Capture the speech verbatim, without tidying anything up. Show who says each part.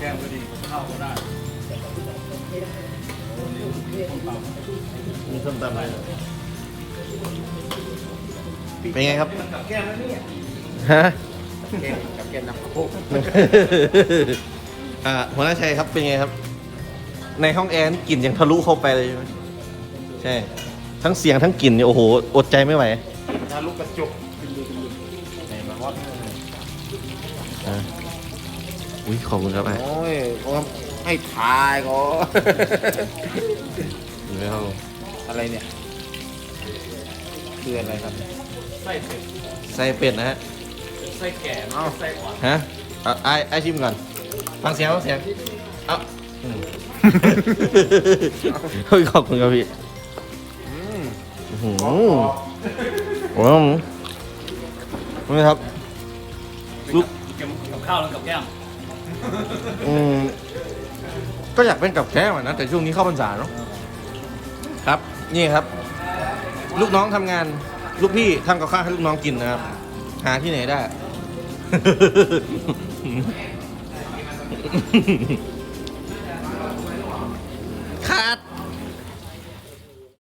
Speaker 1: ก้มก็ดีข้าวก็ได้
Speaker 2: มีส้มตำเลยเป็นไงครับ
Speaker 1: กับแก้มแล้วเนี่ย
Speaker 2: ฮะ
Speaker 1: แก้มกับแก้มน้ำโคก
Speaker 2: อ่าหัวหน้าชัยครับเป็นไงครับ ในห้องแอร์กลิ่นยังทะลุเข้าไปเลยใช่ไหมใช่ทั้งเสียงทั้งกลิ่นเนี่ยโอ้โหอดใจไม่ไหว
Speaker 1: ทะลุกระจกไหนมาฮอต
Speaker 2: อ่าอุ้ยขอบคุณครับไอ้
Speaker 1: โอ้ยให้ทายก็
Speaker 2: อยู่ในห้อง
Speaker 1: อะไรเนี่ยคืออะไรครับไส้เป็ด
Speaker 2: ใส่เป็ดนะฮะ
Speaker 1: ไส้แก่เนาะไส้อ่อน
Speaker 2: ฮะเอาไอ้ไอ้ชิมก่อนฟังเสียงฟังเสียงเอ้าอืมเฮ้ยขอบคุณครับพี่
Speaker 1: อืม
Speaker 2: อื้อหือโอ้โหนี่ครับลูก
Speaker 1: กับข้าวแล้วกับแก้ม
Speaker 2: อืมก็อยากเป็นกับแก้มอะนะแต่ช่วงนี้เข้าพรรษาเนาะครับนี่ครับ ลูกน้องทำงาน ลูกพี่ทำกับข้าวให้ลูกน้องกินนะครับ หาที่ไหนได้